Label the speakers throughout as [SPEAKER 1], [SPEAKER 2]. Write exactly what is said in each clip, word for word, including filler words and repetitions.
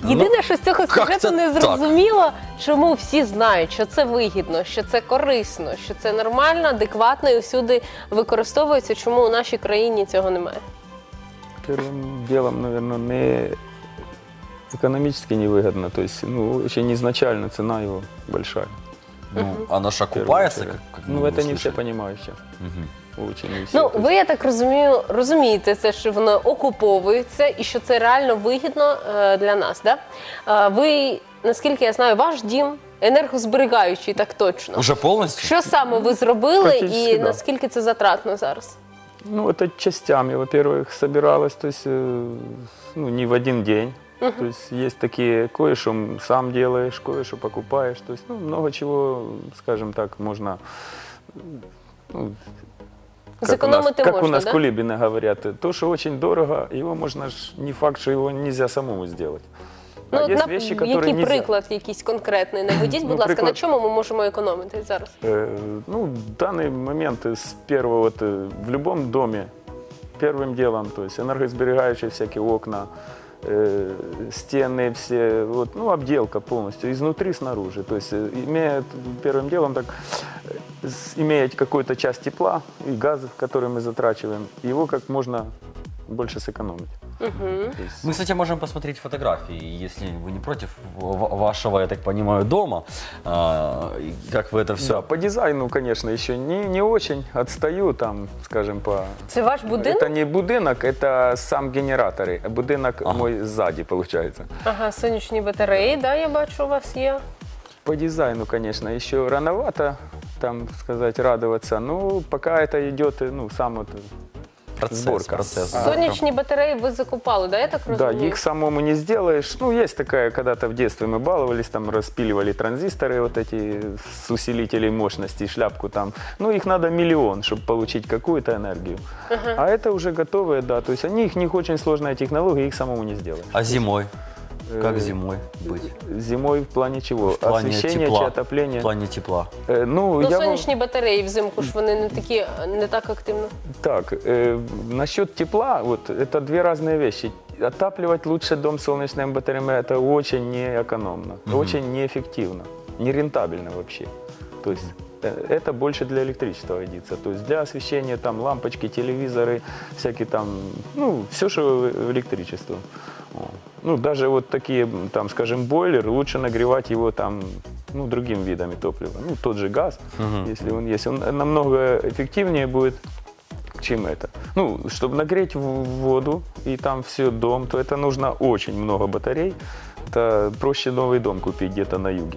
[SPEAKER 1] Єдине, що з цього сюжету
[SPEAKER 2] це
[SPEAKER 1] не
[SPEAKER 2] так?
[SPEAKER 1] зрозуміло, чому всі знають, що це вигідно, що це корисно, що це нормально, адекватно і всюди використовується, чому у нашій країні цього немає.
[SPEAKER 3] Первым делом, наверное, не экономически невыгодно. То есть, ну, очень изначально цена его большая.
[SPEAKER 2] Ну, оно ж
[SPEAKER 3] в первую
[SPEAKER 2] окупается,
[SPEAKER 3] очередь.
[SPEAKER 2] как, как
[SPEAKER 3] Ну,
[SPEAKER 2] мы
[SPEAKER 3] это не все
[SPEAKER 2] услышали.
[SPEAKER 3] понимают сейчас.
[SPEAKER 2] Мгм.
[SPEAKER 3] Очень не все.
[SPEAKER 1] Ну,
[SPEAKER 3] То есть,
[SPEAKER 1] ви, я так розумію, розумієте це, що воно окуповується і що це реально вигідно е, для нас, да? Е, ви, наскільки я знаю, ваш дім енергозберігаючий, так точно.
[SPEAKER 2] Уже полностью?
[SPEAKER 1] Що саме ви зробили
[SPEAKER 3] Практично,
[SPEAKER 1] і
[SPEAKER 3] да.
[SPEAKER 1] наскільки це затратно зараз?
[SPEAKER 3] ну, это частями, во-первых, собиралось, то есть, э, ну, не в один день. То есть есть такие, кое-что сам делаешь, кое-что покупаешь. То есть, ну, много чего, скажем так, можно, ну, как у нас,
[SPEAKER 1] Зекономити
[SPEAKER 3] как
[SPEAKER 1] можна,
[SPEAKER 3] у нас
[SPEAKER 1] да?
[SPEAKER 3] кулибины говорят, то, что очень дорого, его можно, ж- не факт, что его нельзя самому сделать.
[SPEAKER 1] Ну,
[SPEAKER 3] А
[SPEAKER 1] от
[SPEAKER 3] есть
[SPEAKER 1] на-
[SPEAKER 3] вещи, которые
[SPEAKER 1] який
[SPEAKER 3] нельзя.
[SPEAKER 1] приклад якийсь конкретний наведіть, будь
[SPEAKER 3] Ну,
[SPEAKER 1] ласка, на
[SPEAKER 3] приклад-
[SPEAKER 1] чому ми можемо економити зараз?
[SPEAKER 3] Э, Ну, в данный момент с первого, вот, э, в любом доме, первым делом, то есть энергосберегающие всякие окна, э, стены все, вот, ну, обделка полностью, изнутри, снаружи. То есть, э, имея первым делом, так, э, с- иметь какую-то часть тепла и газа, который мы затрачиваем, его как можно больше сэкономить. То есть,
[SPEAKER 2] Мы, кстати, можем посмотреть фотографии, если вы не против ва- вашего, я так понимаю, дома, а, и как вы это все...
[SPEAKER 3] да, по дизайну, конечно, еще не, не очень отстаю, там, скажем, по...
[SPEAKER 1] Це ваш будинок?
[SPEAKER 3] Это не будинок, это сам генераторы. А будинок
[SPEAKER 2] Ага.
[SPEAKER 3] мой сзади, получается.
[SPEAKER 1] Ага, сонячні батареї, да, я бачу, у вас є.
[SPEAKER 3] По дизайну, конечно, еще рановато, там, сказать, радоваться. Ну, пока это идет, ну, сам вот
[SPEAKER 2] Процесс,
[SPEAKER 3] сборка.
[SPEAKER 2] процесс.
[SPEAKER 3] А,
[SPEAKER 1] Сонячні батареї ви закупали, да, я так
[SPEAKER 3] Да,
[SPEAKER 1] розумію?
[SPEAKER 3] их самому не сделаешь. Ну, есть такая, когда-то в детстве мы баловались, там распиливали транзисторы, вот эти с усилителей мощности, шляпку там. Ну, их надо миллион, чтобы получить какую-то энергию. А это уже готовые, да. То есть они, их них очень сложная технология, их самому не сделаешь.
[SPEAKER 2] А зимой? Как
[SPEAKER 3] Э,
[SPEAKER 2] зимой быть?
[SPEAKER 3] Зимой в плане чего?
[SPEAKER 2] В плане
[SPEAKER 3] Освещение
[SPEAKER 2] тепла.
[SPEAKER 3] чи отопления?
[SPEAKER 2] В плане тепла.
[SPEAKER 3] Э, ну,
[SPEAKER 1] Ну,
[SPEAKER 3] я вам-
[SPEAKER 1] сонячні батареї взимку ж вони не такі, не так активно.
[SPEAKER 3] Так, э, насчет тепла, вот это две разные вещи. Отапливать лучше дом солнечными батареями – это очень неэкономно, очень неэффективно, нерентабельно вообще. То есть э, это больше для электричества годится. То есть для освещения там лампочки, телевизоры, всякие там, ну, все, что электричество. О. Ну, даже вот такие, там, скажем, бойлер, лучше нагревать его там, ну, другим видами топлива. Ну, тот же газ, если он есть, он намного эффективнее будет, чем это. Ну, чтобы нагреть в- воду и там все дом, то это нужно очень много батарей. Это проще новый дом купить где-то на юге.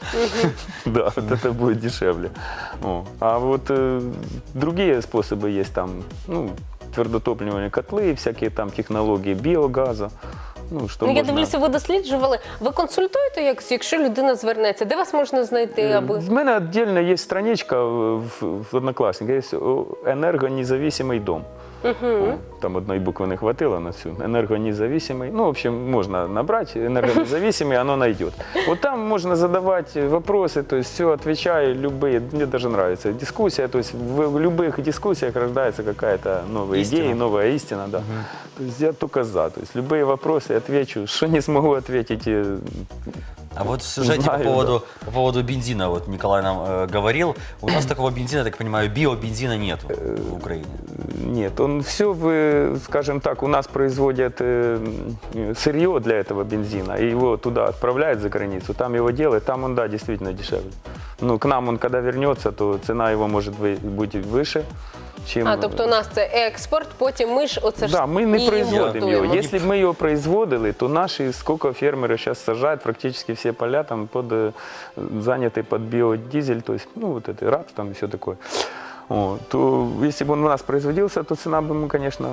[SPEAKER 3] Да, вот это будет дешевле. О. А вот э, другие способы есть там, ну, твердотопливные котлы, всякие там технологии биогаза. Ну, что
[SPEAKER 1] Ну, я
[SPEAKER 3] можно-
[SPEAKER 1] дивлюся, ви досліджували. Ви консультуєте, як, якщо людина звернеться? Де вас можна знайти, аби...
[SPEAKER 3] В мене отдельно есть страничка в, в Одноклассниках, есть о, энергонезависимый дом. О, там одной буквы не хватило на всю. Энергонезависимый. Ну, в общем, можно набрать энергонезависимый, оно найдет. Вот там можно задавать вопросы, то есть все отвечаю, любые. Мне даже нравится дискуссия, то есть в, в любых дискуссиях рождается какая-то новая
[SPEAKER 2] Истина.
[SPEAKER 3] идея, новая истина, да. То есть я только за. То есть любые вопросы отвечу. Что не смогу ответить, э,
[SPEAKER 2] А вот в сюжете
[SPEAKER 3] Знаю,
[SPEAKER 2] по, поводу, по поводу бензина, вот Николай нам э, говорил, у нас такого бензина, я так понимаю, биобензина нет в Украине.
[SPEAKER 3] Нет, он все, вы, скажем так, у нас производят э, сырье для этого бензина, и его туда отправляют за границу, там его делают, там он, да, действительно дешевле. Ну, к нам он, когда вернется, то цена его может вы- быть выше, чем...
[SPEAKER 1] А, тобто у нас це експорт, потім ми ж оце ж
[SPEAKER 3] Да, мы не
[SPEAKER 1] і
[SPEAKER 3] производим его.
[SPEAKER 1] імпортуємо.
[SPEAKER 3] Если бы мы его производили, то наши, сколько фермеры сейчас сажают, практически все поля там под, э, заняты под биодизель, то есть, ну, вот это рапс там и все такое. Вот, то если бы он у нас производился, то цена бы мы, конечно,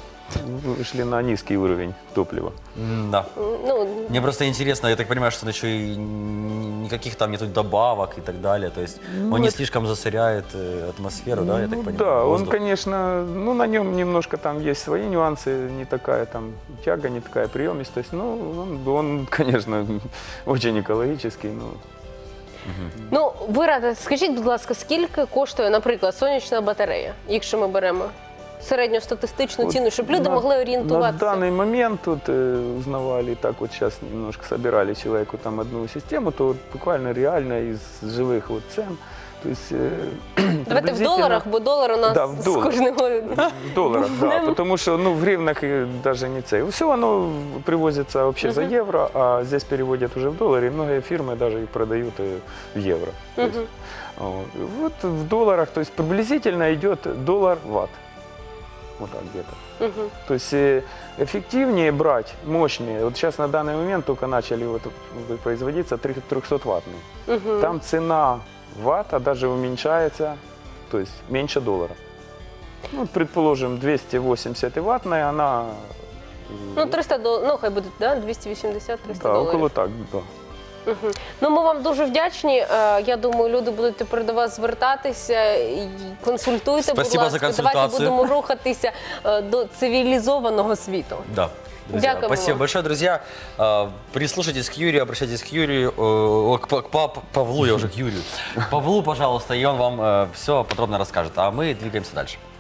[SPEAKER 3] вышли на низкий уровень топлива.
[SPEAKER 2] Да.
[SPEAKER 1] Ну,
[SPEAKER 2] Мне просто интересно, я так понимаю, что еще и никаких там нету добавок и так далее, то есть он не
[SPEAKER 3] это-
[SPEAKER 2] слишком засоряет э, атмосферу, да, я так
[SPEAKER 3] Ну
[SPEAKER 2] понимаю?
[SPEAKER 3] да, он,
[SPEAKER 2] воздух?
[SPEAKER 3] конечно, ну, на нем немножко там есть свои нюансы, не такая там тяга, не такая приемистость. Ну, он, он конечно, очень экологический, но
[SPEAKER 1] ну, ви рада, скажіть, будь ласка, скільки коштує, наприклад, сонячна батарея, якщо ми беремо? середньостатистичну
[SPEAKER 3] Вот
[SPEAKER 1] ціну, щоб люди
[SPEAKER 3] на-
[SPEAKER 1] могли
[SPEAKER 3] На
[SPEAKER 1] орієнтуватися?
[SPEAKER 3] данный момент тут э, узнавали, так вот сейчас немножко собирали человеку там одну систему, то вот буквально реально из живых вот цен. То есть, э,
[SPEAKER 1] Давайте в
[SPEAKER 3] приблизительно-
[SPEAKER 1] доларах, бо долар у нас
[SPEAKER 3] Да, в
[SPEAKER 1] з
[SPEAKER 3] доларах.
[SPEAKER 1] кожного...
[SPEAKER 3] В долларах, да, потому что ну, в гривнах и даже не цей. Все оно привозится вообще за евро, а здесь переводят уже в доллары, и многие фирмы даже их продают э, в евро. То есть, вот. Вот в долларах, то есть приблизительно идет доллар-ватт. Вот так где-то.
[SPEAKER 1] Мгм.
[SPEAKER 3] То есть э, эффективнее брать, мощнее. Вот сейчас на данный момент только начали вот производиться трехсотваттные.
[SPEAKER 1] Мгм.
[SPEAKER 3] Там цена ватта даже уменьшается, то есть меньше доллара. Ну, предположим, двести восемьдесят ваттная, она
[SPEAKER 1] Ну, триста доларів, ну, хай буде, да? двісті вісімдесят - триста
[SPEAKER 3] да,
[SPEAKER 1] доларів.
[SPEAKER 3] около так, да.
[SPEAKER 1] Мгм. Ну, ми вам дуже вдячні. Е, Я думаю, люди будуть тепер до вас звертатися. І консультуйте,
[SPEAKER 2] Спасибо
[SPEAKER 1] будь
[SPEAKER 2] за
[SPEAKER 1] ласка. Давайте
[SPEAKER 2] консультацію.
[SPEAKER 1] будемо рухатися е, до цивілізованого світу.
[SPEAKER 2] Да. Друзья,
[SPEAKER 1] Дякуємо
[SPEAKER 2] спасибо
[SPEAKER 1] вам.
[SPEAKER 2] большое, друзья. А, Прислушайтесь к Юрию, обращайтесь к Юрию, э, к, к Пап- Павлу, я уже к Юрию. Павлу, пожалуйста, и он вам все подробно расскажет. А мы двигаемся дальше.